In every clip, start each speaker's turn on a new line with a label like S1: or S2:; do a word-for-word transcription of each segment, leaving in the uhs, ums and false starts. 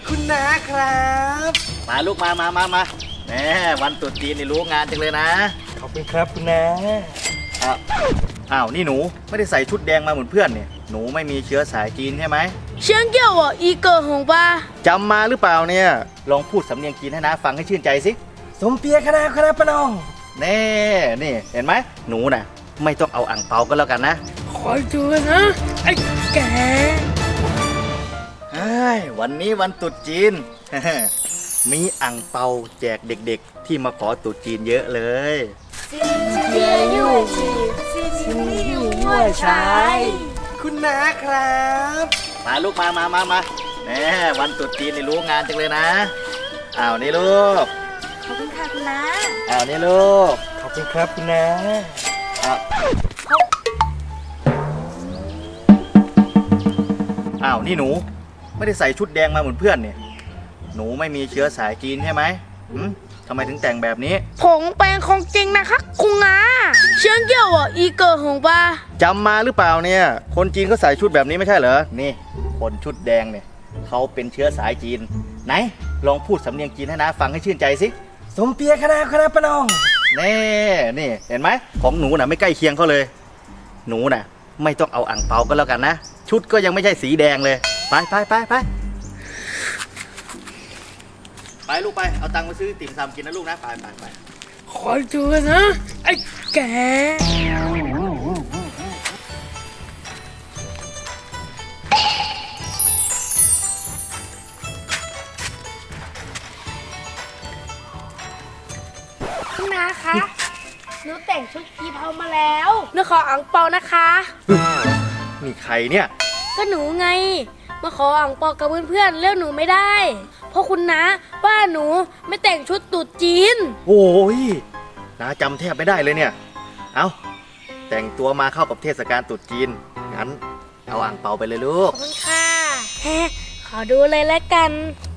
S1: คุณน้าครับมาลูกมามามามาแหมวันตรุษจีนนี่รู้งานจังเลยนะ
S2: ขอบคุณครับคุณน้า
S1: อ้าวอ้าวนี่หนูไม่ได้ใส่ชุดแดงมาเหมือนเพื่อนเนี่ยหนูไม่มีเชื้อสายจีนใช่ไหม
S3: 先给我一个红包
S1: จำมาหรือเปล่าเนี่ยลองพูดสำเนียงจีนให้น้าฟังให้ชื่นใจสิ
S2: สมเปียคณะคณะปนอง
S1: แน่นี่เห็นไหมหนูน่ะไม่ต้องเอาอ่างเปาก็แล้วกันนะ
S3: คอยดูนะไอ้แก
S1: เฮ้ยวันนี้วันตรุษจีน มีอ่างเปาแจกเด็กๆที่มาขอตรุษจีนเยอะเลย
S3: เจียยู่ซินยู่ยั่วชาย
S1: คุณน้าครับมาลูกมามามามาแหมวันตรุษจีนนี่รู้งานจังเลยนะอ้าวนี่ลูก
S3: ขอบคุณค่ะคุณน้า
S1: อ้าวนี่ลูก
S2: ขอบคุณครับคุณน้า
S1: อ้าวอ้าวนี่หนูไม่ได้ใส่ชุดแดงมาเหมือนเพื่อนเนี่ยหนูไม่มีเชื้อสายจีนใช่ไหมหืมทำไมถึงแต่งแบบนี้
S3: ผมเป็นของจริงนะคะคุณน้า先给我一个红包
S1: จำมาหรือเปล่าเนี่ยคนจีนก็ใส่ชุดแบบนี้ไม่ใช่เหรอนี่คนชุดแดงเนี่ยเขาเป็นเชื้อสายจีนไหนลองพูดสำเนียงจีนให้น้าฟังให้ชื่นใจสิ
S2: สมเปียคณะคณะปนอง
S1: แน่นี่เห็นไหมของหนูน่ะไม่ใกล้เคียงเขาเลยหนูน่ะไม่ต้องเอาอ่างเปาก็แล้วกันนะชุดก็ยังไม่ใช่สีแดงเลยไปไปไปไปไปลูกไปเอาตังค์มาซื้อติ่มซำกินนะลูกนะไปไปไป
S3: คอยดูนะไอ้แกคุณน้าคะหนูแต่งชุดกีเพามาแล้วหนูขออ่างเปานะคะ
S1: นี่ใครเนี่ย
S3: ก็หนูไงมาขออ่างเปากับเพื่อนๆเลือกหนูไม่ได้เพราะคุณน้าว่าหนูไม่แต่งชุดตุ๊ดจีน
S1: โอ้ยน้าจำแทบไม่ได้เลยเนี่ยเอาแต่งตัวมาเข้ากับเทศกาลตุ๊ดจีนงั้นเอาอ่างเปาไปเลยลูก
S3: ขอบคุณค่ะแฮขอดูเลยแล้วกัน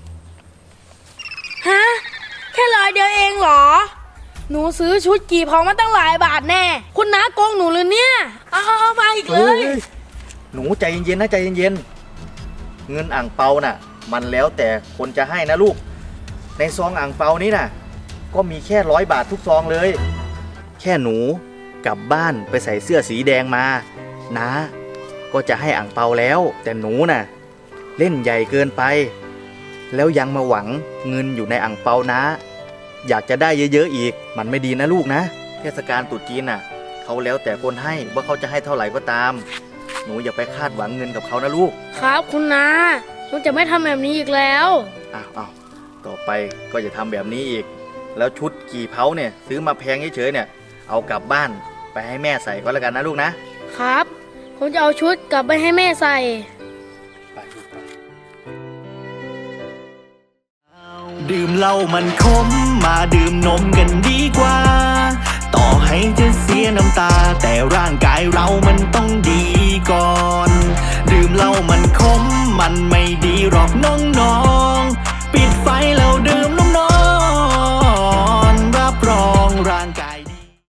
S3: ฮะแค่ร้อยเดียวเองเหรอหนูซื้อชุดกี่พอมาตั้งหลายบาทแน่คุณน้าโกงหนูเลยเนี่ยเอาเอามาอีกเลย
S1: หนูใจเย็นๆนะใจเย็นๆเงินอ่างเปาน่ะมันแล้วแต่คนจะให้นะลูกในซองอ่างเปานี้น่ะก็มีแค่ร้อยบาททุกซองเลยแค่หนูกลับบ้านไปใส่เสื้อสีแดงมานะก็จะให้อ่างเปาแล้วแต่หนูน่ะเล่นใหญ่เกินไปแล้วยังมาหวังเงินอยู่ในอ่างเปานะอยากจะได้เยอะๆอีกมันไม่ดีนะลูกนะเทศกาลตรุษจีนน่ะเขาแล้วแต่คนให้ว่าเขาจะให้เท่าไหร่ก็ตามหนูอย่าไปคาดหวังเงินกับเขานะลูก
S3: ครับคุณน้าหนูจะไม่ทำแบบนี้อีกแล้ว
S1: อ้าวอ้าวต่อไปก็อย่าทำแบบนี้อีกแล้วชุดกี่เผาเนี่ยซื้อมาแพงเฉยๆเนี่ยเอากลับบ้านไปให้แม่ใส่ก็แล้วกันนะลูก
S3: นะครับผมจะเอาชุดกลับไปให้แม่ใส่
S1: ไปไป
S4: ดื่มเหล้ามันขมมาดื่มนมกันดีกว่าต่อให้จะเสียน้ำตาแต่ร่างกายเรามันต้องดีก่อนดื่มเหล้ามันขมมันไม่ดีหรอกน้อง